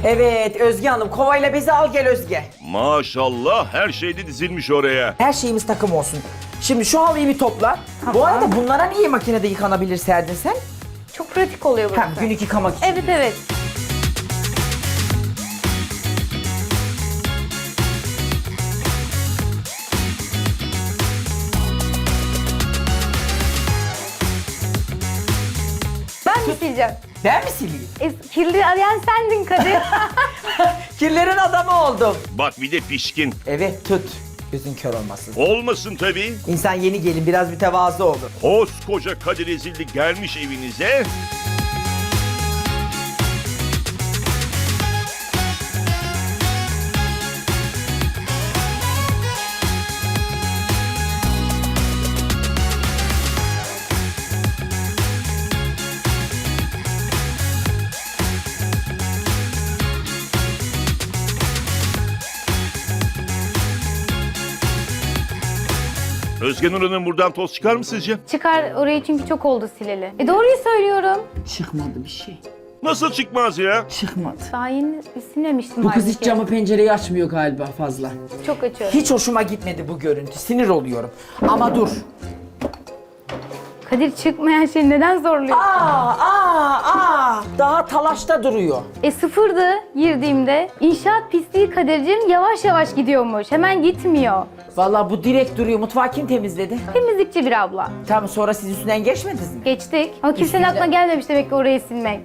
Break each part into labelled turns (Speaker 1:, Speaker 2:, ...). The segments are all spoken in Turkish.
Speaker 1: Evet Özge Hanım, kovayla bezi al gel Özge.
Speaker 2: Maşallah her şey de dizilmiş oraya.
Speaker 1: Her şeyimiz takım olsun. Şimdi şu halıyı bir topla. Bu arada bunlara niye makinede yıkanabilir serdin sen?
Speaker 3: Çok pratik oluyor burası.
Speaker 1: Ha, günlük yıkamak için.
Speaker 3: Evet evet. Ben mi sileceğim?
Speaker 1: Ben mi sileyim?
Speaker 3: Kirli arayan sendin Kadir.
Speaker 1: Kirlerin adamı oldum.
Speaker 2: Bak bir de pişkin.
Speaker 1: Evet tut. Gözün kör olmasın.
Speaker 2: Olmasın tabii.
Speaker 1: İnsan yeni gelin biraz mütevazı olur.
Speaker 2: Koskoca Kadir Ezildi gelmiş evinize. Özge Nur Hanım buradan toz çıkar mı sizce?
Speaker 3: Çıkar orayı çünkü çok oldu sileli. Doğruyu söylüyorum.
Speaker 1: Çıkmadı bir şey.
Speaker 2: Nasıl çıkmaz ya?
Speaker 1: Çıkmadı.
Speaker 3: Daha yeni silmemiştim
Speaker 1: Bu kız hiç
Speaker 3: halbuki.
Speaker 1: camı pencereyi açmıyor galiba fazla.
Speaker 3: Çok açıyorum.
Speaker 1: Hiç hoşuma gitmedi bu görüntü. Sinir oluyorum. Ama dur.
Speaker 3: Kadir çıkmayan şeyi neden zorluyor?
Speaker 1: Daha talaşta duruyor.
Speaker 3: Sıfırdı girdiğimde. İnşaat pisliği Kadir'cim yavaş yavaş gidiyormuş. Hemen gitmiyor.
Speaker 1: Vallahi bu direkt duruyor. Mutfağı kim temizledi?
Speaker 3: Temizlikçi bir abla.
Speaker 1: Tamam sonra siz üstünden geçmediniz mi?
Speaker 3: Geçtik. Ama kimsenin
Speaker 1: Üstünden-
Speaker 3: aklına gelmemiş demek ki orayı silmek.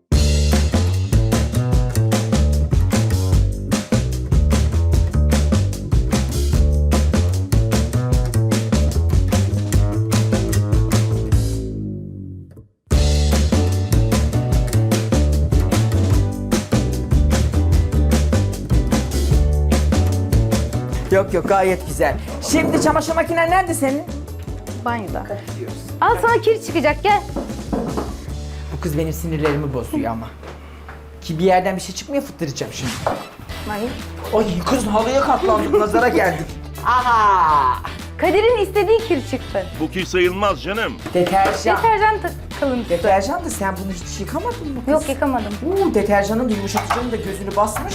Speaker 1: Yok yok gayet güzel. Şimdi çamaşır makinen nerede senin?
Speaker 3: Banyoda. Al sana kir çıkacak gel.
Speaker 1: Bu kız benim sinirlerimi bozuyor ama. Ki bir yerden bir şey çıkmıyor fıttıracağım şimdi.
Speaker 3: Hayır.
Speaker 1: Ay kız halıya katlandık nazara geldik. Aha!
Speaker 3: Kadir'in istediği kir çıktı.
Speaker 2: Bu ki sayılmaz canım.
Speaker 1: Deterjan.
Speaker 3: Deterjan kalıntısı.
Speaker 1: Deterjan da sen bunu hiç yıkamadın mı kız?
Speaker 3: Yok yıkamadım.
Speaker 1: Deterjanın da yumuşatıcının da gözünü basmış.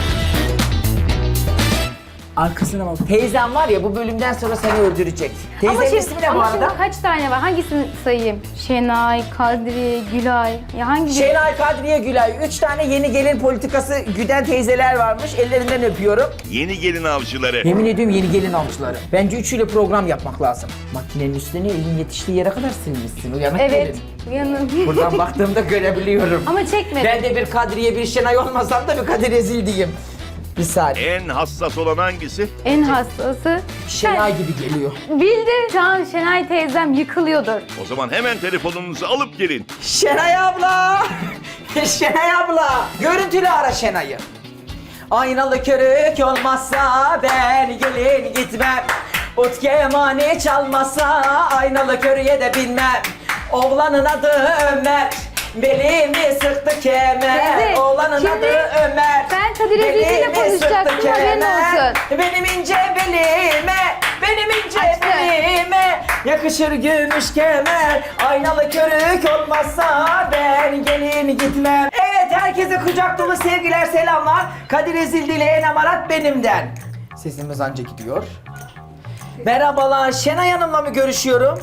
Speaker 1: Arkasına bak. Teyzem var ya bu bölümden sonra seni öldürecek. Teyzenin ismi ne bu
Speaker 3: ama şimdi
Speaker 1: arada?
Speaker 3: kaç tane var? Hangisini sayayım? Şenay, Kadri, Gülay. Ya hangi
Speaker 1: Şenay Kadriye Gülay. 3 tane yeni gelin politikası güden teyzeler varmış. Ellerinden öpüyorum.
Speaker 2: Yeni gelin avcıları.
Speaker 1: Yemin ediyorum yeni gelin avcıları. Bence üçüyle program yapmak lazım. Makinenin üstüne elin yetiştiği yere kadar silmişsin. Uyanık
Speaker 3: Evet.
Speaker 1: gelin.
Speaker 3: Uyanın.
Speaker 1: Buradan baktığımda görebiliyorum.
Speaker 3: Ama çekmedim.
Speaker 1: Ben de bir Kadriye bir Şenay olmasam da bir Kadir Ezil diyeyim. Bir saniye.
Speaker 2: En hassas olan hangisi?
Speaker 3: En hassası.
Speaker 1: Şenay gibi geliyor.
Speaker 3: Bildi. Şu an Şenay teyzem yıkılıyordur.
Speaker 2: O zaman hemen telefonunuzu alıp gelin.
Speaker 1: Şenay abla! Şenay abla! Görüntülü ara Şenay'ı. Aynalı körük olmazsa ben gelin gitmem. Ut kemani çalmazsa aynalı körüye de binmem. Oğlanın adı Ömer. Belimi sıktı kemer.
Speaker 3: Teyze,
Speaker 1: Oğlanın
Speaker 3: şimdi
Speaker 1: adı Ömer.
Speaker 3: ben Kadir Ezildi'yle
Speaker 1: Belimi
Speaker 3: konuşacaktım,
Speaker 1: sıktı
Speaker 3: haberin
Speaker 1: kemer.
Speaker 3: olsun.
Speaker 1: Benim ince belime, benim ince
Speaker 3: Açtı.
Speaker 1: belime yakışır gümüş kemer. Aynalı körük olmazsa ben gelin gitmem. Evet herkese kucak dolu sevgiler selamlar. Kadir Ezildi ile En Amarat benimden. Sesimiz anca gidiyor. Merhabalar Şenay Hanım'la mı görüşüyorum?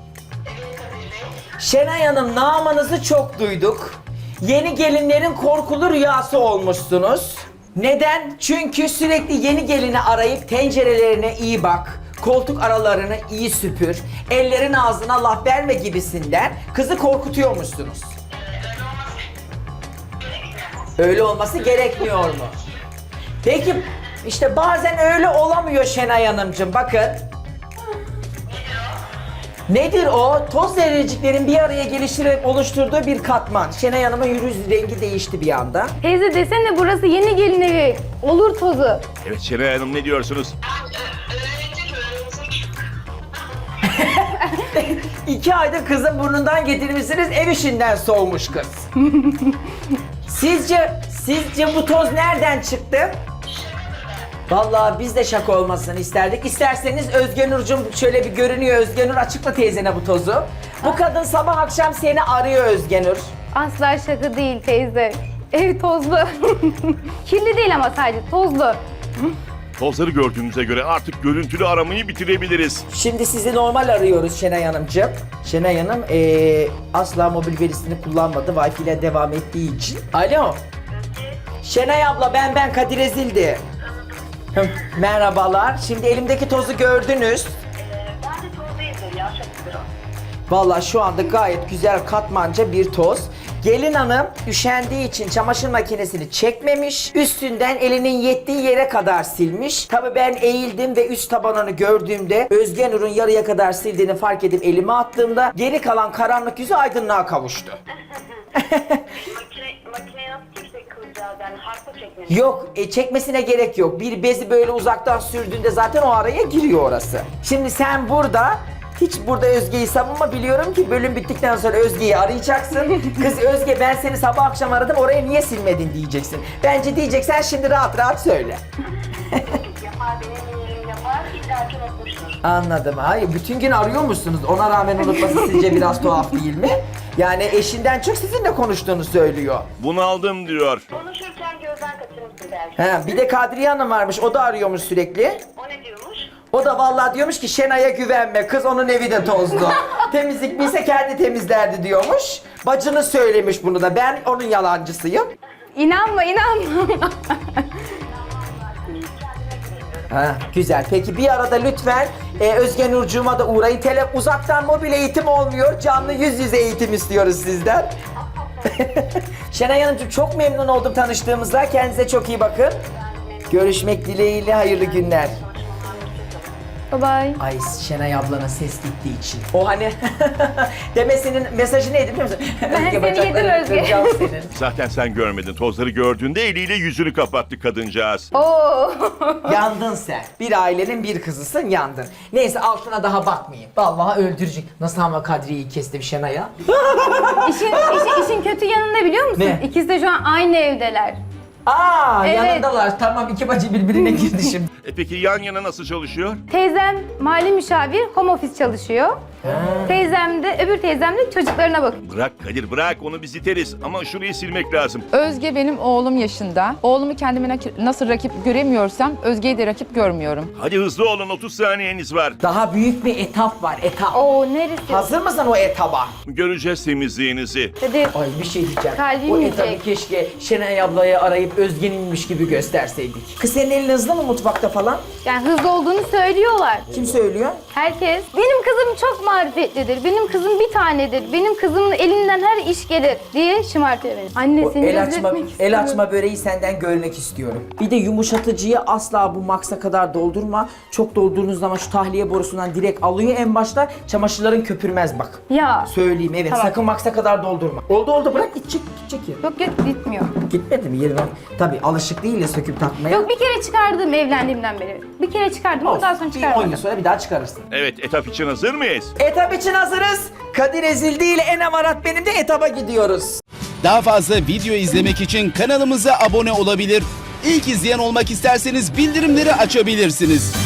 Speaker 1: Şenay Hanım namınızı çok duyduk. Yeni gelinlerin korkulu rüyası olmuşsunuz. Neden? Çünkü sürekli yeni gelini arayıp tencerelerine iyi bak, koltuk aralarını iyi süpür, ellerin ağzına laf verme gibisinden kızı korkutuyormuşsunuz. Öyle olması gerekmiyor mu? Peki işte bazen öyle olamıyor Şenay Hanımcığım bakın. Nedir o? Toz zerreciklerin bir araya geliştirerek oluşturduğu bir katman. Şenay Hanım'ın yüz rengi değişti bir anda.
Speaker 3: Teyze desene burası yeni gelin evi. Olur tozu.
Speaker 2: Evet Şenay Hanım ne diyorsunuz?
Speaker 1: 2 aydır kızın burnundan getirmişsiniz, ev işinden soğumuş kız. Sizce bu toz nereden çıktı? Vallahi biz de şaka olmasını isterdik. İsterseniz Özge Nurcuğum şöyle bir görünüyor. Özge Nur açıkla teyzene bu tozu. Bu kadın sabah akşam seni arıyor Özge Nur.
Speaker 3: Asla şaka değil teyze. Ev tozlu. Kirli değil ama sadece tozlu.
Speaker 2: Tozları gördüğünüze göre artık görüntülü aramayı bitirebiliriz.
Speaker 1: Şimdi sizi normal arıyoruz Şenay Hanımcığım. Şenay Hanım asla mobil verisini kullanmadı. Wi-Fi ile devam ettiği için. Alo. Şenay abla ben Kadir Ezildi. Merhabalar. Şimdi elimdeki tozu gördünüz.
Speaker 4: Ben de toz değildir ya, şakıdır o.
Speaker 1: Vallahi şu anda gayet güzel katmanca bir toz. Gelin hanım üşendiği için çamaşır makinesini çekmemiş. Üstünden elinin yettiği yere kadar silmiş. Tabii ben eğildim ve üst tabanını gördüğümde Özge Nur'un yarıya kadar sildiğini fark edip elime attığımda geri kalan karanlık yüzü aydınlığa kavuştu.
Speaker 4: Makineye nasıl çeksek kılacağız yani, harfa çekmemiz.
Speaker 1: Yok çekmesine gerek yok. Bir bezi böyle uzaktan sürdüğünde zaten o araya giriyor orası. Şimdi sen burada hiç burada Özge'yi savunma, biliyorum ki bölüm bittikten sonra Özge'yi arayacaksın. Kız Özge ben seni sabah akşam aradım, oraya niye silmedin diyeceksin. Bence diyeceksen şimdi rahat rahat söyle.
Speaker 4: Yapar, benim yerim yapar, illaki unutmuştur.
Speaker 1: Anladım. Hayır bütün gün arıyor musunuz? Ona rağmen unutması sizce biraz tuhaf değil mi? Yani eşinden çok sizinle konuştuğunu söylüyor.
Speaker 2: Bunu aldım diyor.
Speaker 4: Konuşurken gözden kaçırmışsın belki.
Speaker 1: He, bir de Kadriye Hanım varmış, o da arıyormuş sürekli.
Speaker 4: O ne diyormuş?
Speaker 1: O da vallahi diyormuş ki Şenay'a güvenme, kız onun evi de tozlu. Temizlik bilse kendi temizlerdi diyormuş. Bacını söylemiş bunu da, ben onun yalancısıyım.
Speaker 3: İnanma.
Speaker 1: Ha, güzel. Peki bir arada lütfen Özge Nurcuğuma da uğrayın. Uzaktan mobil eğitim olmuyor, canlı yüz yüze eğitim istiyoruz sizden. Şenay Hanımcığım çok memnun oldum tanıştığımızda. Kendinize çok iyi bakın. Görüşmek dileğiyle, hayırlı günler.
Speaker 3: Bye bye.
Speaker 1: Ay Şenay ablanın ses gittiği için. O hani demesinin mesajı neydi biliyor musun?
Speaker 3: Ben seni
Speaker 1: bacaklarını
Speaker 3: yedim Özge.
Speaker 1: kıracağım senin.
Speaker 2: Zaten sen görmedin. Tozları gördüğünde eliyle yüzünü kapattı kadıncağız.
Speaker 3: Oo.
Speaker 1: Yandın sen. Bir ailenin bir kızısın, yandın. Neyse altına daha bakmayayım. Vallahi öldürecek. Nasıl ama Kadriye'yi kestim Şenay'a?
Speaker 3: İşin kötü yanı ne biliyor musun?
Speaker 1: Ne?
Speaker 3: İkisi de şu an aynı evdeler.
Speaker 1: Aa
Speaker 3: Evet.
Speaker 1: yanındalar. Tamam, iki bacı birbirine girdi şimdi.
Speaker 2: Peki yan yana nasıl çalışıyor?
Speaker 3: Teyzem mali müşavir, home office çalışıyor. Öbür teyzem de çocuklarına bakıyor.
Speaker 2: Bırak Kadir bırak, onu biz iteriz ama şurayı silmek lazım.
Speaker 5: Özge benim oğlum yaşında. Oğlumu kendime nasıl rakip göremiyorsam Özge'yi de rakip görmüyorum.
Speaker 2: Hadi hızlı olun, 30 saniyeniz var.
Speaker 1: Daha büyük bir etap var, etap.
Speaker 3: Oo neresi?
Speaker 1: Hazır mısın o etaba?
Speaker 2: Göreceğiz temizliğinizi.
Speaker 3: Dedi.
Speaker 1: Ay bir şey diyeceğim.
Speaker 3: Kalbim
Speaker 1: o
Speaker 3: yiyecek.
Speaker 1: etabı keşke Şenay ablaya arayıp Özge'ninmiş gibi gösterseydik. Kız senin elin hızlı mı mutfakta falan?
Speaker 3: Yani hızlı olduğunu söylüyorlar.
Speaker 1: Kim söylüyor?
Speaker 3: Herkes. Benim kızım çok marifetlidir. Benim kızım bir tanedir. Benim kızımın elinden her iş gelir diye şımartıyor beni.
Speaker 1: O
Speaker 3: Annesini
Speaker 1: el
Speaker 3: rezil
Speaker 1: açma,
Speaker 3: etmek
Speaker 1: el
Speaker 3: istemiyorum.
Speaker 1: açma böreği senden görmek istiyorum. Bir de yumuşatıcıyı asla bu maksa kadar doldurma. Çok doldurduğunuz zaman şu tahliye borusundan direkt alıyor en başta. Çamaşırların köpürmez bak.
Speaker 3: Ya.
Speaker 1: Söyleyeyim evet,
Speaker 3: Tamam.
Speaker 1: sakın maksa kadar doldurma. Oldu bırak, gidecek ya.
Speaker 3: Yok gitmiyor.
Speaker 1: Gitmedi mi yerine? Tabii alışık değil ya söküp takmaya.
Speaker 3: Yok bir kere çıkardım evlendiğimden beri. Bir kere çıkardım ondan sonra
Speaker 1: Bir 10
Speaker 3: çıkarmadım.
Speaker 1: yıl sonra bir daha çıkarırsın.
Speaker 2: Evet, etap için hazır mıyız?
Speaker 1: Etap için hazırız. Kadir Ezildi ile Enem Arat benim de etaba gidiyoruz.
Speaker 6: Daha fazla video izlemek için kanalımıza abone olabilir. İlk izleyen olmak isterseniz bildirimleri açabilirsiniz.